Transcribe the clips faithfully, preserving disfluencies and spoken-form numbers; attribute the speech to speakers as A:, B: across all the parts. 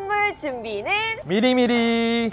A: 선물 준비는
B: 미리미리.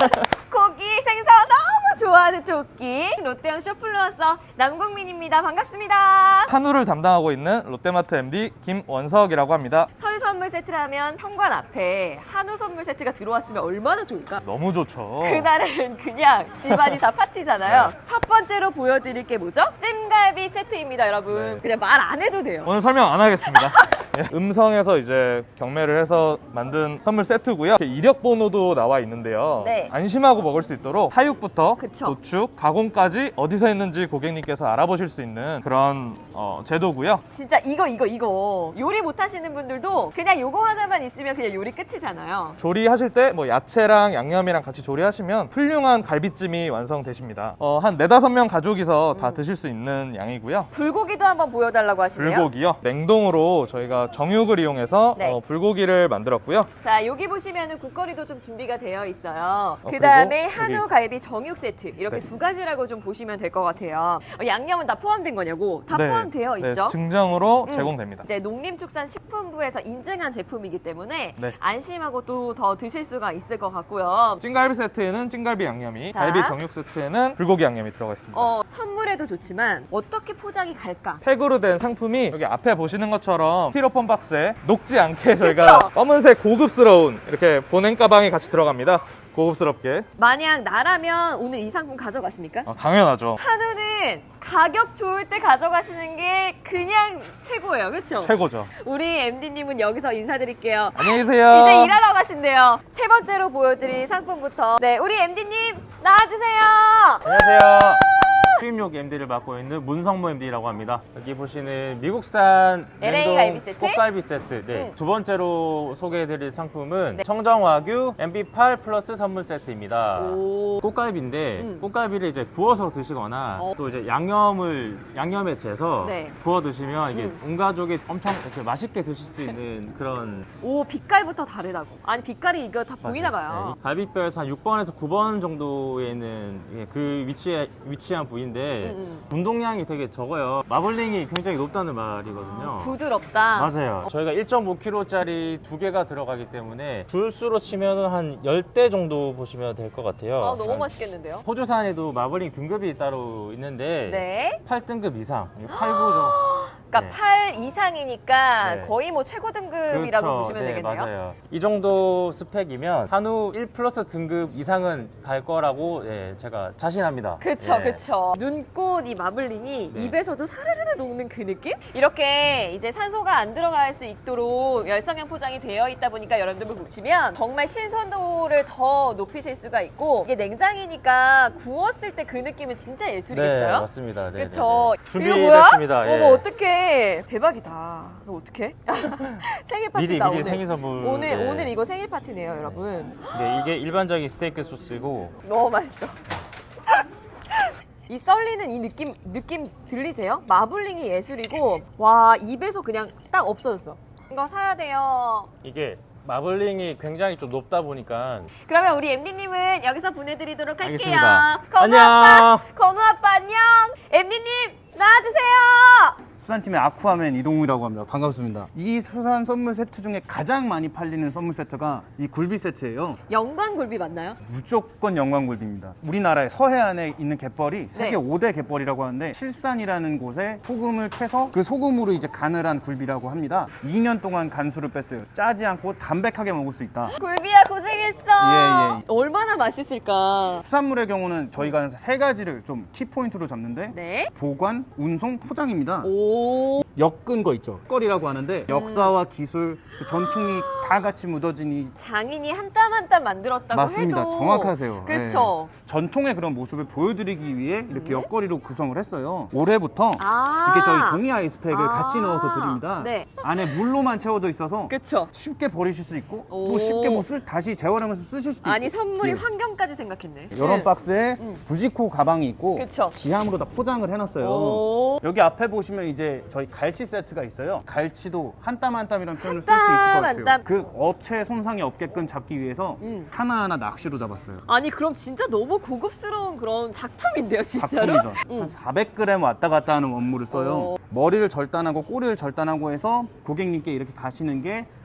A: 고기, 생선 너무 좋아하는 토끼 롯데형 쇼플루어서 남국민입니다. 반갑습니다.
B: 한우를 담당하고 있는 롯데마트 엠디 김원석이라고 합니다.
A: 설 선물 세트라면 현관 앞에 한우 선물 세트가 들어왔으면 얼마나 좋을까?
B: 너무 좋죠.
A: 그날은 그냥 집안이 다 파티잖아요.
B: 네.
A: 첫 번째로 보여드릴 게 뭐죠? 찜갈비 세트입니다, 여러분.
B: 네.
A: 그냥 말 안 해도 돼요.
B: 오늘 설명 안 하겠습니다. 예, 음성에서 이제 경매를 해서 만든 선물 세트고요. 이렇게 이력 번호도 나와 있는데요.
A: 네.
B: 안심하고 먹을 수 있도록 사육부터
A: 그쵸.
B: 도축, 가공까지 어디서 했는지 고객님께서 알아보실 수 있는 그런 어, 제도고요.
A: 진짜 이거 이거 이거 요리 못하시는 분들도 그냥 요거 하나만 있으면 그냥 요리 끝이잖아요.
B: 조리하실 때 뭐 야채랑 양념이랑 같이 조리하시면 훌륭한 갈비찜이 완성되십니다. 어, 한 네다섯 명 가족이서 다 드실 수 있는 양이고요.
A: 불고기도 한번 보여달라고 하시네요.
B: 불고기요. 냉동으로 저희가 정육을 이용해서
A: 네.
B: 어, 불고기를 만들었고요.
A: 자, 여기 보시면은 국거리도 좀 준비가 되어 있어요.
B: 어,
A: 그 다음에
B: 그리고
A: 한우
B: 여기-
A: 갈비 정육 세트 이렇게
B: 네.
A: 두 가지라고 좀 보시면 될 것 같아요. 어, 양념은 다 포함된 거냐고? 다
B: 네.
A: 포함되어
B: 네,
A: 있죠.
B: 증정으로
A: 음.
B: 제공됩니다.
A: 이제 농림축산식품부에서 인증한 제품이기 때문에
B: 네.
A: 안심하고 또 더 드실 수가 있을 것 같고요.
B: 찐갈비 세트에는 찐갈비 양념이,
A: 자.
B: 갈비 정육 세트에는 불고기 양념이 들어가 있습니다.
A: 어, 선물에도 좋지만 어떻게 포장이 갈까?
B: 팩으로 된 상품이 여기 앞에 보시는 것처럼 스티로폼 박스에 녹지 않게 저희가
A: 그쵸?
B: 검은색 고급스러운 이렇게 보냉 가방이 같이 들어갑니다. 고급스럽게.
A: 만약 나라면 오늘 이 상품 가져가십니까?
B: 어, 당연하죠.
A: 한우는 가격 좋을 때 가져가시는 게 그냥 최고예요. 그렇죠?
B: 최고죠.
A: 우리 엠디님은 여기서 인사드릴게요.
B: 안녕히 계세요.
A: 이제 일하러 가신대요. 세 번째로 보여드릴 상품부터. 네, 우리 엠디님 나와주세요.
C: 안녕하세요. 수입용 엠디를 맡고 있는 문성모 엠디라고 합니다. 여기 보시는 미국산
A: 엘에이
C: 냉동
A: 갈비 세트?
C: 꽃갈비 세트. 네.
A: 응.
C: 두 번째로 소개해드릴 상품은
A: 네.
C: 청정와규 엠비 팔 플러스 선물 세트입니다.
A: 오.
C: 꽃갈비인데
A: 음.
C: 꽃갈비를 이제 구워서 드시거나
A: 어.
C: 또 이제 양념을 양념에 재서
A: 네.
C: 구워 드시면 이게
A: 음.
C: 온 가족이 엄청 이렇게 맛있게 드실 수 있는 그런
A: 오, 빛깔부터 다르다고. 아니, 빛깔이 이거 다 보이나 봐요.
C: 네, 갈비뼈에서 한 육 번에서 구 번 정도에 있는 예, 그 위치에 위치한 부위인데
A: 음,
C: 운동량이 되게 적어요. 마블링이 굉장히 높다는 말이거든요.
A: 부드럽다.
C: 맞아요. 저희가 일 점 오 킬로그램짜리 두 개가 들어가기 때문에 줄수로 치면 한 십 대 정도 보시면 될 것 같아요.
A: 아, 너무 맛있겠는데요?
C: 호주산에도 마블링 등급이 따로 있는데
A: 네.
C: 팔 등급 이상, 팔 구 정도.
A: 그러니까
C: 네.
A: 팔 이상이니까
C: 네.
A: 거의 뭐 최고 등급이라고
C: 그렇죠.
A: 보시면
C: 네,
A: 되겠네요.
C: 맞아요. 이 정도 스펙이면 한우 일 플러스 등급 이상은 갈 거라고 예, 제가 자신합니다.
A: 그쵸,
C: 예.
A: 그쵸. 눈꽃 이 마블링이
C: 네.
A: 입에서도 사르르르 녹는 그 느낌? 이렇게 이제 산소가 안 들어갈 수 있도록 열성형 포장이 되어 있다 보니까 여러분들 보시면 정말 신선도를 더 높이실 수가 있고 이게 냉장이니까 구웠을 때 그 느낌은 진짜
C: 네,
A: 예술이겠어요?
C: 맞습니다. 네,
A: 그쵸.
C: 네, 네.
A: 이거 뭐야?
C: 준비됐습니다. 예.
A: 어머, 어떡해. 대박이다. 이거 어떡해? 생일 파티다,
C: 미리 미리
A: 오늘.
C: 생일 선물.
A: 오늘,
C: 예.
A: 오늘 이거 생일 파티네요, 여러분.
C: 네, 이게 일반적인 스테이크 소스고
A: 너무 맛있어. 이 썰리는 이 느낌 느낌 들리세요? 마블링이 예술이고 와 입에서 그냥 딱 없어졌어. 이거 사야 돼요.
C: 이게 마블링이 굉장히 좀 높다 보니까
A: 그러면 우리 엠디님은 여기서 보내드리도록 할게요.
C: 알겠습니다.
A: 건우
C: 안녕.
A: 아빠, 건우 아빠 안녕. 엠디님 나와주세요.
D: 수산팀의 아쿠아맨 이동욱이라고 합니다. 반갑습니다. 이 수산 선물 세트 중에 가장 많이 팔리는 선물 세트가 이 굴비 세트예요.
A: 영광굴비 맞나요?
D: 무조건 영광굴비입니다. 우리나라의 서해안에 있는 갯벌이 세계
A: 네.
D: 오 대 갯벌이라고 하는데 실산이라는 곳에 소금을 캐서 그 소금으로 이제 간을 한 굴비라고 합니다. 이 년 동안 간수를 뺐어요. 짜지 않고 담백하게 먹을 수 있다.
A: 굴비야 고생했어.
D: 예, 예.
A: 얼마나 맛있을까.
D: 수산물의 경우는 저희가 세 가지를 좀 키포인트로 잡는데
A: 네.
D: 보관, 운송, 포장입니다.
A: 오.
D: 엮은 거 있죠. 거리라고 하는데 역사와 기술, 그 전통이 다 같이 묻어진 이
A: 장인이 한 땀 한 땀 만들었다고
D: 맞습니다.
A: 해도
D: 정확하세요.
A: 그쵸.
D: 네. 전통의 그런 모습을 보여드리기 위해 이렇게 옆걸이로 구성을 했어요. 올해부터
A: 아.
D: 이렇게 저희 종이 아이스팩을
A: 아.
D: 같이 넣어서 드립니다.
A: 네.
D: 안에 물로만 채워져 있어서
A: 그쵸.
D: 쉽게 버리실 수 있고
A: 오.
D: 또 쉽게 뭐 쓸, 다시 재활용해서 쓰실 수도
A: 아니
D: 있고.
A: 선물이
D: 예.
A: 환경까지 생각했네.
D: 이런
A: 네.
D: 박스에
A: 음.
D: 부지코 가방이 있고
A: 그쵸.
D: 지함으로 다 포장을 해놨어요.
A: 오.
D: 여기 앞에 보시면 이제 저희 갈치 세트가 있어요. 갈치도 한 땀 한 땀이라는 표현을 쓸 수
A: 땀
D: 있을 것
A: 한
D: 같아요.
A: 땀.
D: 그 어체 손상이 없게끔 잡기 위해서
A: 음.
D: 하나하나 낚시로 잡았어요.
A: 아니 그럼 진짜 너무 고급스러운 그런 작품인데요, 진짜로?
D: 작품이죠.
A: 응.
D: 한 사백 그램 왔다 갔다 하는 원물을 써요.
A: 오.
D: 머리를 절단하고 꼬리를 절단하고 해서 고객님께 이렇게 가시는 게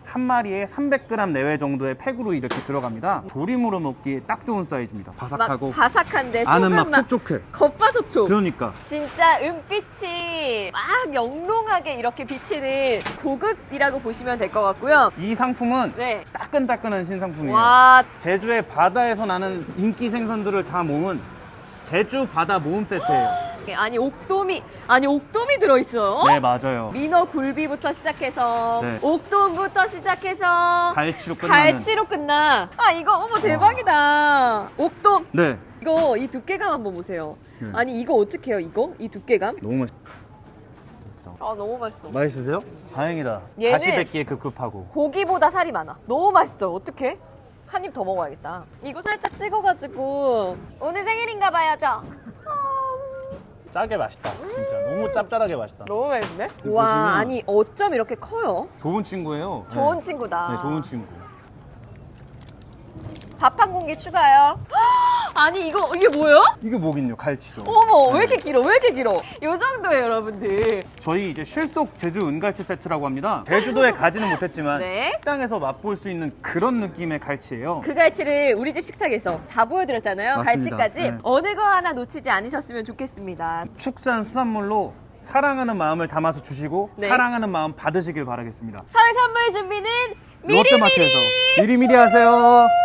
D: 한 마리에 삼백 그램 내외 정도의 팩으로 이렇게 들어갑니다. 조림으로 먹기에 딱 좋은 사이즈입니다.
A: 막
D: 바삭하고
A: 바삭한데
D: 안은
A: 속은
D: 막
A: 막
D: 촉촉해.
A: 겉바속촉.
D: 그러니까
A: 진짜 은빛이 막 영롱하게 이렇게 비치는 고급이라고 보시면 될 것 같고요.
D: 이 상품은
A: 네.
D: 따끈따끈한 신상품이에요.
A: 와,
D: 제주의 바다에서 나는 인기 생선들을 다 모은 제주 바다 모음 세트예요.
A: 아니 옥돔이 아니 옥돔이 들어있어요.
D: 네, 맞아요.
A: 민어 굴비부터 시작해서
D: 네.
A: 옥돔부터 시작해서
D: 갈치로 끝나는.
A: 갈치로 끝나. 아 이거 어머 대박이다. 옥돔
D: 네.
A: 이거 이 두께감 한번 보세요.
D: 네.
A: 아니 이거 어떻게 해요 이거? 이 두께감?
D: 너무 맛있...
A: 아 너무 맛있어.
D: 맛있으세요? 다행이다.
A: 얘는-
D: 다시 뵙기에 급급하고.
A: 고기보다 살이 많아. 너무 맛있어. 어떡해? 한 입 더 먹어야겠다. 이거 살짝 찍어가지고 오늘 생일인가 봐요 저.
C: 짜게 맛있다. 진짜 너무 짭짤하게 맛있다.
A: 너무 맛있네.
D: 보시면-
A: 와 아니 어쩜 이렇게 커요?
D: 좋은 친구예요.
A: 좋은
D: 네.
A: 친구다.
D: 네, 좋은 친구.
A: 밥 한 공기 추가요. 아니 이거 이게 뭐예요?
D: 이게 뭐긴요? 갈치죠.
A: 어머
D: 네.
A: 왜 이렇게 길어? 왜 이렇게 길어? 요 정도예요 여러분들.
D: 저희 이제 실속 제주 은갈치 세트라고 합니다. 제주도에 가지는 못했지만
A: 네.
D: 식당에서 맛볼 수 있는 그런 느낌의 갈치예요.
A: 그 갈치를 우리 집 식탁에서 다 보여드렸잖아요.
D: 맞습니다.
A: 갈치까지
D: 네.
A: 어느 거 하나 놓치지 않으셨으면 좋겠습니다.
D: 축산 수산물로 사랑하는 마음을 담아서 주시고
A: 네.
D: 사랑하는 마음 받으시길 바라겠습니다.
A: 설 선물 준비는 미리미리.
D: 롯데마트에서 미리미리 하세요.